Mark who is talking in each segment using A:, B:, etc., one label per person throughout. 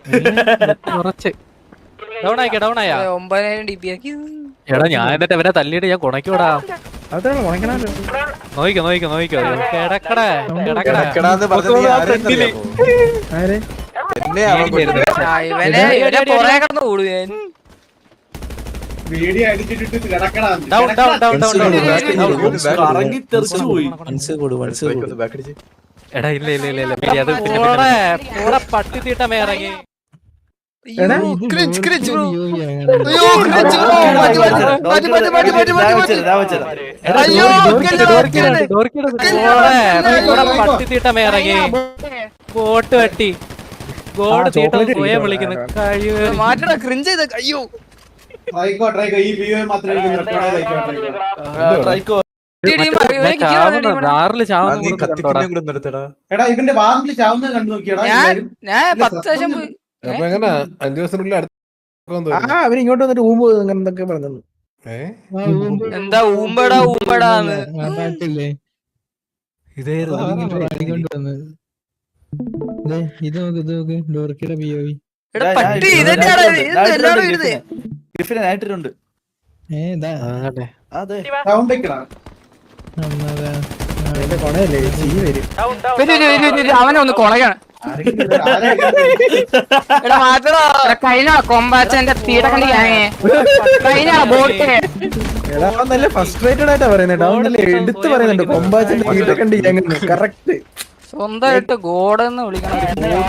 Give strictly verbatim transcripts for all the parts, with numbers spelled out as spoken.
A: കുറച്ച് down ആയിക്കാ down ആയാ
B: ഒമ്പതിനായിരം ഡി പി ആക്കി.
A: എടാ ഞാൻ എന്നിട്ട് അവനെ തല്ലിയിട്ട് ഞാൻ കുണയ്ക്കൂടാ. നോയിക്കോ നോയിക്കോ നോയിക്കോ കിടക്കടേ കിടക്കടേ
B: ഇവനെ ഇവനെ പുറകെ കിടന്ന് ഓടും ഞാൻ.
A: ഡൗൺ ഡൗൺ ഡൗൺ ഡൗൺ എടാ ഇല്ല ഇല്ല ഇല്ല ഇല്ല അത് പിന്നെ കൂടെ പട്ടി തീട്ടമേ ഇറങ്ങി. പട്ടി തീട്ടമേ ഇറങ്ങി ബോട്ട് വെട്ടി ഗോഡ് തീട്ടം പോയെ വിളിക്കുന്നു.
B: മാറ്റടാ ക്രിഞ്ച് ചെയ്ത. അയ്യോ
A: ആറില് ചാവുന്ന
B: ഞാൻ പത്ത് ലക്ഷം പോയി.
C: അവരിങ്ങോട്ട് വന്നിട്ട് ഊമ്പ് അങ്ങനെ എന്തൊക്കെ പറഞ്ഞു.
B: എന്താ ഊമ്പടാ ഊമ്പടാന്ന് പട്ടി ഇതന്നെയാണ് എല്ലാവരും ഇരുന്ന്. അവനെ ഒന്ന് കൊളയാണ്. കഴിഞ്ഞ കൊമ്പാച്ചന്റെ തീടക്കണ്ടി കഴിഞ്ഞ ബോട്ട്
C: നല്ല ഫസ്ട്രേറ്റഡ് ആയിട്ടാ പറയുന്നത്. എടുത്ത് പറയുന്നുണ്ട് കൊമ്പാച്ചന്റെ തീട്ടക്കണ്ടി കറക്റ്റ്.
B: സ്വന്തമായിട്ട് ഗോഡെന്ന് വിളിക്കണം.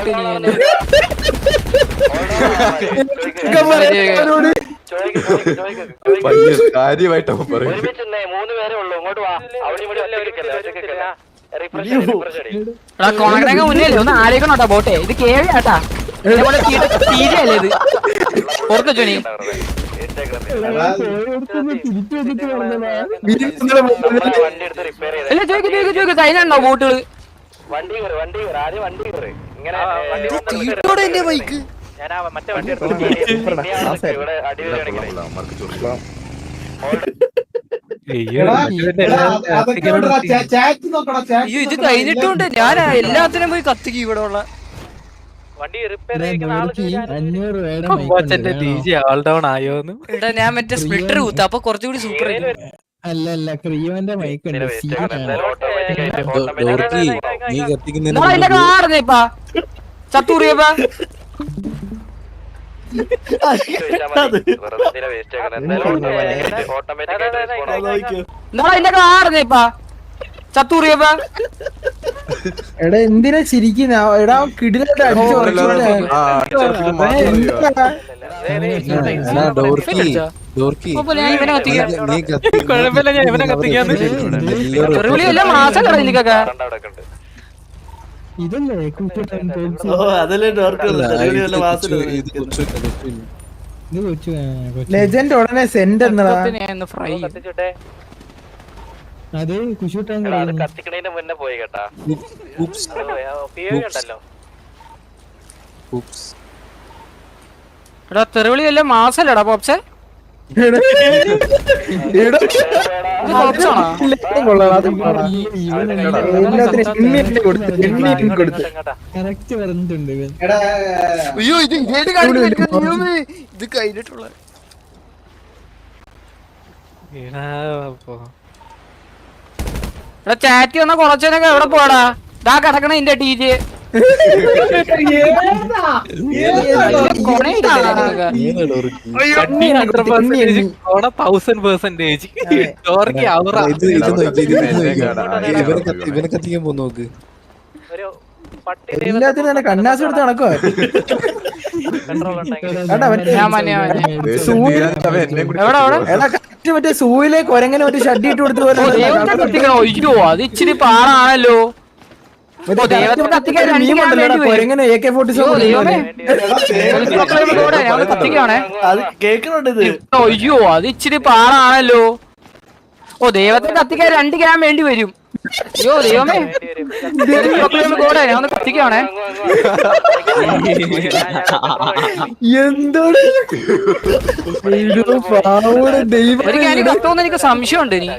B: കൊണക്കടങ്ങ മുന്നേ ഒന്ന് ആലോചിക്കണോട്ടാ ബോട്ടെ. ഇത് കേവിയാട്ടാ തീരല്ലേ ഇത്. ഓർക്കോ ചോണി അല്ല ചോദിക്കും ചോദിക്കും ചോദിക്കും കഴിഞ്ഞുണ്ടോ ബോട്ടുകള്? തീട്ടോടെ എന്റെ ബൈക്ക് അയ്യോ ഇത് കഴിഞ്ഞിട്ടുണ്ട്. ഞാൻ എല്ലാത്തിനും പോയി കത്തിക്കും ഇവിടെ ഉള്ള എടാ. ഞാൻ മറ്റേ സ്പ്ലിറ്റർ കൂത്ത അപ്പൊ കുറച്ചുകൂടി സൂപ്പർ.
C: അല്ല അല്ല ക്രിയോന്റെ മൈക്ക്
B: കാർന്നേപ്പാ ചത്തൂറിയപ്പാ കാർന്നേപ്പാ ചത്തൂറിയപ്പാ.
C: എടാ എന്തിനാ ചിരിക്കുന്ന? എടാ കിടിലായിട്ട് അടിച്ചു.
B: കുഴപ്പമില്ല ഞാൻ ഇവനെ കത്തിക്കാന്ന് മാസം കടന്നിക്കൊക്കെ.
C: ലെജൻഡ് ഉടനെ സെന്റ് എന്നതാ.
D: അത് കുശൂട്ടാൻ
A: കത്തിക്കണേന്റെ മുന്നേ പോയി കേട്ടാ.
B: എടാ തെറിവിളി എല്ലാം മാസല്ലടാ പോപ്സെ.
D: കറക്റ്റ് പറഞ്ഞിട്ടുണ്ട്.
B: അയ്യോ ഇത് ഇത് കഴിഞ്ഞിട്ടുള്ള എടാ ചാറ്റി വന്ന കുറച്ചനൊക്കെ എവിടെ പോടാ? ദാ കിടക്കണ ഇന്റെ ടി ജെ
C: ഇവനെ കത്തിക്കാൻ പോ നോക്ക്. എല്ലാത്തിനും തന്നെ കണ്ണാസ് എടുത്ത് നടക്കുവാ. മറ്റേ സൂയിലെ കൊരങ്ങനെ മറ്റേ ഷഡ്ഡി ഇട്ട് കൊടുത്ത് പോലെ.
B: അയ്യോ അത് ഇച്ചിരി പാടാണല്ലോ.
C: കൊരങ്ങനെ എ കെ ഫോർട്ടി സെവൻ
B: അയ്യോ അത് ഇച്ചിരി പാടാണല്ലോ. ഓ ദൈവത്തെ കത്തിക്കാൻ രണ്ട് ഗ്രാം വേണ്ടി വരും. അയ്യോ ദൈവമേ കൂടെ ഞാൻ ഒന്ന് കത്തിക്കാണേ.
C: എന്തോട്
B: ഒരു കാര്യം കത്തോന്ന് എനിക്ക് സംശയമുണ്ട്. ഇനി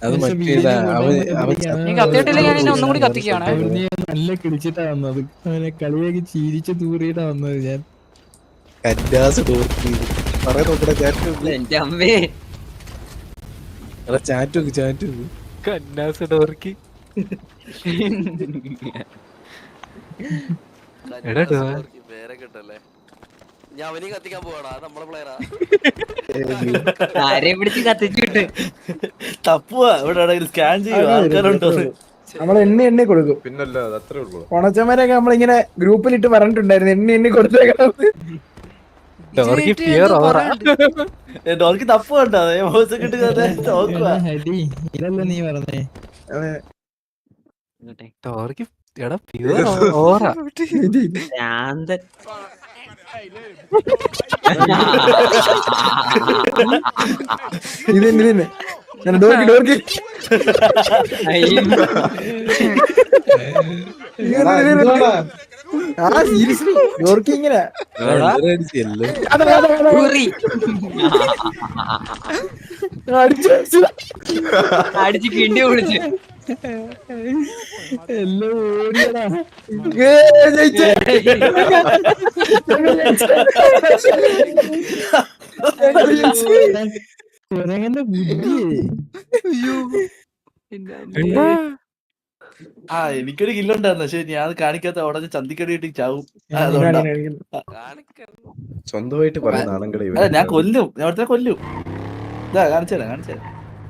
C: അത് മറ്റേതാ അവൻ അവൻ
B: നീ കത്തിയിട്ടില്ലെങ്കിൽ ഞാൻ ഇനി ഒന്നും കൂടി കത്തിക്കുകയാണ്.
D: അവനെ നല്ല കിടിച്ചിട്ടാ വന്നത്. അവനെ കളിയാക്കി ചീരിച്ച് തൂറിയിട്ടാ വന്നത് ഞാൻ.
C: കന്നാസ് ഡോർക്കി പറയാൻ നോക്കടാ ചാറ്റ്
E: എന്റെ അമ്മേ
C: ചാറ്റ് നോക്ക് ചാറ്റ് നോക്ക്
A: കന്നാസ് ഡോർക്കി എടാ ഡോ-
E: വേറെ കിട്ടല്ലേ ഞാൻ അവനെയും കത്തിക്കാൻ പോവാടാ നമ്മളെ പ്ലെയറാ
B: ആരെ പിടിച്ച് കത്തിച്ചിട്ട്
F: തപ്പുവാ ഇവിടെ സ്കാൻ ചെയ്യുക ആൾക്കാരുണ്ടോ
C: നമ്മൾ എണ്ണ എണ്ണി കൊടുക്കും.
G: പിന്നല്ല അത് അത്രേ ഉള്ളൂ.
C: കൊണച്ചമാരൊക്കെ നമ്മളിങ്ങനെ ഗ്രൂപ്പിലിട്ട് പറഞ്ഞിട്ടുണ്ടായിരുന്നു എണ്ണി എണ്ണി കൊടുത്തേക്കണം.
A: ഡോർക്കി ഫിയർ ഓവറാ.
F: ഡോർക്ക് തപ്പ് കണ്ടോ നോക്കുക
D: ഹരി ഇതല്ല നീ പറഞ്ഞേ.
A: ഡോർക്കി എടാ ഫിയർ ഓവറാ.
B: ശാന്തൻ
C: ഇത് തന്നെ ഇത് തന്നെ ഞാൻ ഡോർക്കി ഡോർക്കി ആ സീരിയസ്ലി ഡോർക്കി ഇങ്ങനെ അടിച്ചു
B: അടിച്ച് കിണ്ടി വിളിച്ച്
D: എല്ലാം ഓടിയടാ.
C: ജയിച്ചേ
D: കുരങ്ങന്റെ ബുദ്ധി.
F: ആ എനിക്കൊരു കില്ലുണ്ടായിരുന്നു പക്ഷെ ഞാൻ കാണിക്കാത്ത ഉടനെ ചന്തിക്കടി കിട്ടി ചാവും അതുകൊണ്ടാ
G: സ്വന്തമായിട്ട് പറയുന്ന ആണുങ്ങളെ
F: അല്ല ഞാൻ കൊല്ലും ഞാൻ അവിടുത്തെ കൊല്ലും ഇതാ കാണിച്ചുതരാം കാണിച്ചുതരാം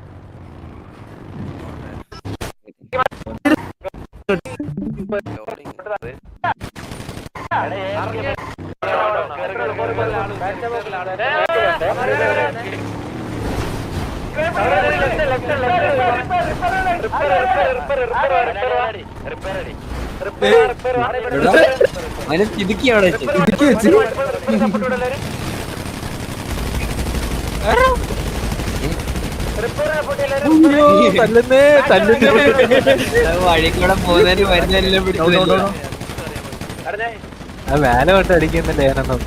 B: അവനെ തിടുക്കി അവിടെ വെച്ച്.
C: ഇടുക്കി വെച്ച്
A: തല്ലുന്നേ തല്ലുന്നേ
B: വഴി കൂടെ പോകുന്നതിന് വരുന്നതിനെല്ലാം പിടിച്ചു.
A: ആ വേല തൊട്ട് അടിക്കുന്നില്ല ഞാനൊന്നും.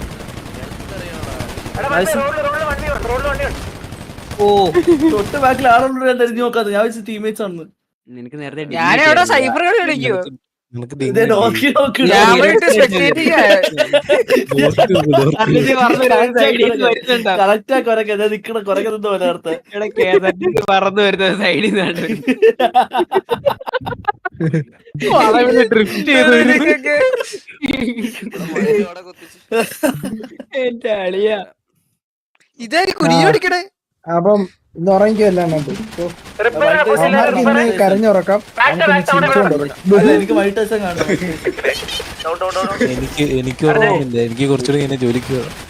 B: ഓ
F: തൊട്ട് ബാക്കിൽ ആളുണ്ട് ഞാൻ തിരിഞ്ഞു നോക്കാതെ ഞാൻ വെച്ച് ടീമേറ്റ്സ് ആണ്
E: നിനക്ക് നേരത്തെ
B: ഞാനെവിടെ സൈബർ കളി കളിക്കോ
F: ഇതേ നോക്കി നോക്കി
B: ഞാൻ പോയിട്ട് spectate ചെയ്യാ. അതിന് പറഞ്ഞ് രണ്ട് side ൽ നിന്ന് വരുന്നുണ്ടോ?
F: കറക്റ്റാ കൊരക്കെ ഞാൻ നിക്കണ കൊരക്കെ നിന്ന് പോലെ നേരത്തെ
B: ഇവിടെ K S R T C പറന്ന് വരുന്നത് സൈഡിൽ നിന്നാണ്.
A: ഡ്രിഫ്റ്റ് ചെയ്തു
B: എന്റെ അളിയ ഇതായി കുനിഞ്ഞോടിക്കണേ.
C: അപ്പം ഇന്ന് ഉറങ്ങിക്കല്ല ഇന്ന് കരഞ്ഞുറക്കാം നമുക്കിന്ന് ചിരിച്ചുകൊണ്ടുറക്കാം.
F: അല്ല, എനിക്ക് വൈകിട്ട് ദിവസം കാണും
H: എനിക്ക് എനിക്ക് ഓർമ്മയില്ല എനിക്ക് കുറച്ചുകൂടി ഇങ്ങനെ ജോലിക്ക്